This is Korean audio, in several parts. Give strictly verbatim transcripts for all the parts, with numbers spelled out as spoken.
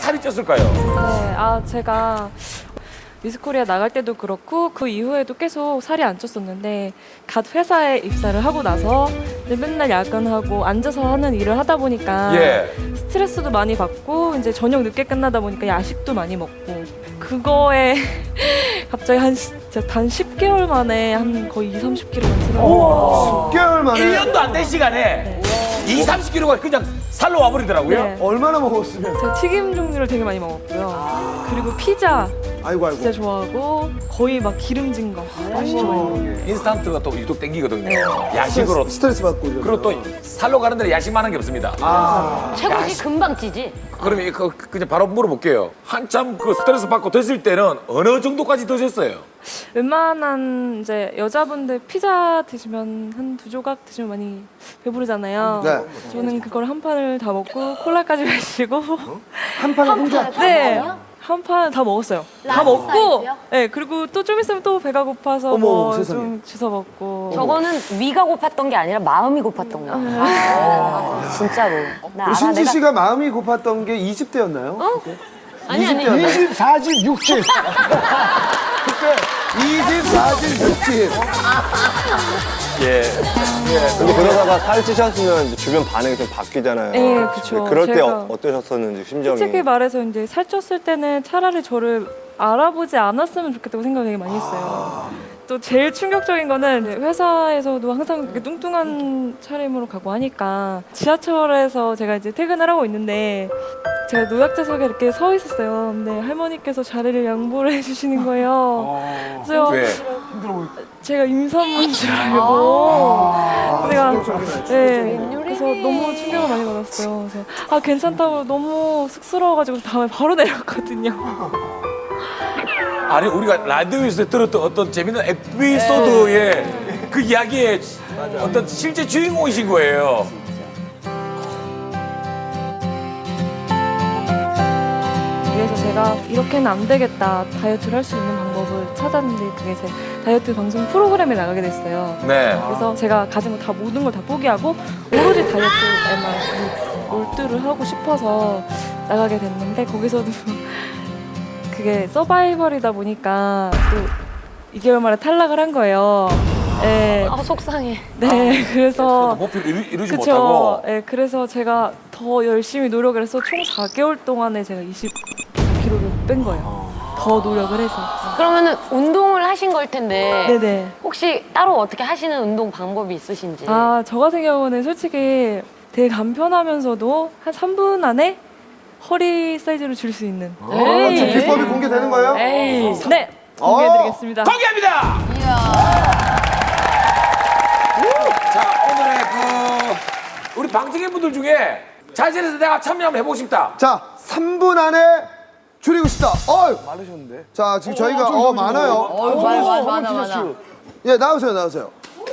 살이 쪘을까요? 네, 아 제가 미스코리아 나갈 때도 그렇고 그 이후에도 계속 살이 안 쪘었는데 갓 회사에 입사를 하고 나서 이제 맨날 야근하고 앉아서 하는 일을 하다 보니까 예. 스트레스도 많이 받고 이제 저녁 늦게 끝나다 보니까 야식도 많이 먹고 그거에 갑자기 한 진짜 단 십 개월 만에 한 거의 이, 삼십 킬로가 들어요. 십 개월 만에 일 년도 안 된 시간에 이, 삼십 킬로가 그냥 살로 와버리더라고요. 네. 얼마나 먹었으면? 제가 튀김 종류를 되게 많이 먹었고요. 그리고 피자 아이고 아이고. 진짜 좋아하고 거의 막 기름진 거 맛있게 많이 먹어요. 인스턴트가 또 유독 땡기거든요. 네. 야식으로. 스트레스 받고 이러면. 그리고 또 살로 가는 데는 야식만 한 게 없습니다. 아. 최고지 금방 찌지. 그러면 그, 그냥 바로 물어볼게요. 한참 그 스트레스 받고 드실 때는 어느 정도까지 드셨어요? 웬만한 이제 여자분들 피자 드시면 한 두 조각 드시면 많이 배부르잖아요. 네. 저는 그걸 한 판을 다 먹고 콜라까지 마시고 한 판에 혼자. 네. 한 판 다 먹었어요. 다 라지 먹고, 사이즈요? 네 그리고 또 좀 있으면 또 배가 고파서 어머, 뭐 세상에. 좀 주워 먹고. 저거는 위가 고팠던 게 아니라 마음이 고팠던 거야. 아, 진짜로. 나 알아. 신지 내가 씨가 마음이 고팠던 게 이십 대였나요? 아니 아니. 이십, 사십, 육십. 그때 이십, 사십, 육십. 예. 근데 그러다가 살찌셨으면 이제 주변 반응이 좀 바뀌잖아요. 네, 그쵸. 그럴 때 제가 어, 어떠셨었는지 심정이. 솔직히 말해서 이제 살쪘을 때는 차라리 저를 알아보지 않았으면 좋겠다고 생각을 되게 많이 했어요. 또 제일 충격적인 거는 이제 회사에서도 항상 이렇게 뚱뚱한 차림으로 가고 하니까 지하철에서 제가 이제 퇴근을 하고 있는데 제가 노약자석에 이렇게 서 있었어요. 근데 할머니께서 자리를 양보를 해주시는 거예요. 그래서 왜? 제가 임산부인 줄 알고 제가 네 그래서 너무 충격을 많이 받았어요. 그래서 아 괜찮다고 너무 쑥스러워가지고 다음에 바로 내렸거든요. 아니 우리가 라디오에서 들었던 어떤 재밌는 에피소드의 그 이야기의 어떤 실제 주인공이신 거예요. 그래서 제가 이렇게는 안 되겠다 다이어트를 할 수 있는 방법을 찾았는데 그게 제 다이어트 방송 프로그램에 나가게 됐어요. 네. 그래서 제가 가진 거 다 모든 걸 다 포기하고 오로지 다이어트에만 몰두를 하고 싶어서 나가게 됐는데 거기서도 그게 서바이벌이다 보니까 또 이 개월 만에 탈락을 한 거예요. 네, 아 속상해. 네 그래서 목표를 이루, 이루지 그쵸. 못하고. 네, 그래서 제가 더 열심히 노력을 해서 총 사 개월 동안에 제가 이십 킬로를 뺀 거예요. 더 노력을 해서. 그러면은 운동을 하신 걸 텐데 네네. 혹시 따로 어떻게 하시는 운동 방법이 있으신지? 아, 저 같은 경우는 솔직히 되게 간편하면서도 한 삼 분 안에 허리 사이즈를 줄 수 있는. 어, 지금 비법이 공개되는 거예요? 에이. 네, 공개해드리겠습니다. 공개합니다. 자 오늘의 그 우리 방청객 분들 중에 자신에서 내가 참여 한번 해보고 싶다. 자, 삼 분 안에 줄이고 싶다. 어, 많으셨는데. 자, 지금 저희가 어, 많아요. 어, 많아 많아 많아. 예, 나오세요, 나오세요.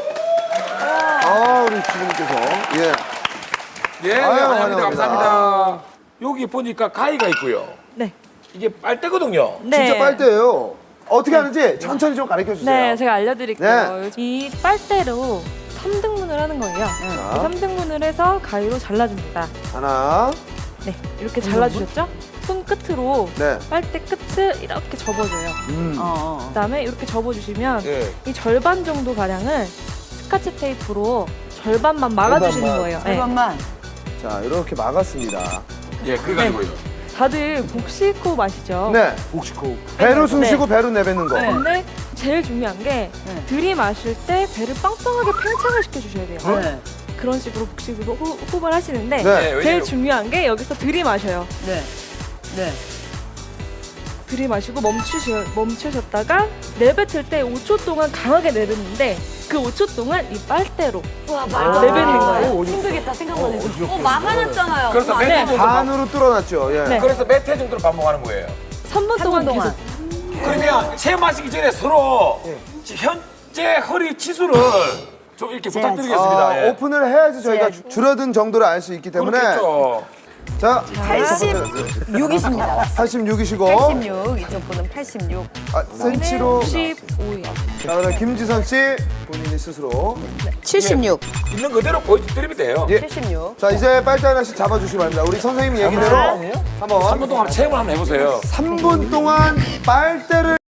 아, 우리 주부님께서 예. 예, 네, 아유, 환영합니다. 환영합니다. 감사합니다. 여기 보니까 가위가 있고요. 네. 이게 빨대거든요. 네. 진짜 빨대예요. 어떻게 하는지 천천히 좀 가르쳐 주세요. 네, 제가 알려드릴게요. 네. 이 빨대로 삼 등분을 하는 거예요. 삼 등분을 해서 가위로 잘라줍니다. 하나, 네, 이렇게 잘라주셨죠? 손 끝으로 네. 빨대 끝을 이렇게 접어줘요. 음. 그다음에 이렇게 접어주시면 예. 이 절반 정도 가량을 스카치 테이프로 절반만 막아주시는 거예요. 네. 자, 이렇게 막았습니다. 예, 그래가지고요. 다들 복식호흡 아시죠? 네. 복식호흡. 배로 숨 쉬고 배로 내뱉는 거. 근데 제일 중요한 게 들이마실 때 배를 빵빵하게 팽창을 시켜주셔야 돼요. 그런 식으로 복식으로 호- 호흡을 하시는데 네. 네, 제일 왜냐면 중요한 게 여기서 들이마셔요. 네. 네. 들이마시고 멈추셔, 멈추셨다가 내뱉을 때 오 초 동안 강하게 내뱉는데 그 오 초 동안 이 빨대로 와 말도 안 내뱉는 돼. 거예요. 힘들겠다 생각만 해도. 어, 막아놨잖아요. 그래서 몇 네. 회 정도 반- 반으로 뚫어놨죠. 예. 네. 그래서 몇 회 정도로 반복하는 거예요. 삼 분 동안 동안. 계속 그러면 체험하시기 전에 서로 현재 허리 치수를 좀 이렇게 부탁드리겠습니다. 아, 예. 오픈을 해야지 저희가 주- 줄어든 정도를 알 수 있기 때문에 그렇겠죠. 자, 팔십육이십니다. 팔십육이시고 팔십육. 이쪽 분은 팔십육. 아, 센치로. 십오요. 자, 그럼 김지선 씨 본인이 스스로. 칠십육. 있는 그대로 보여드리면 돼요. 예. 칠십육. 자, 이제 빨대 하나씩 잡아주시기 바랍니다. 우리 선생님 얘기대로 삼 한번 분 동안 체험을 한번 해보세요. 삼 분 동안 빨대를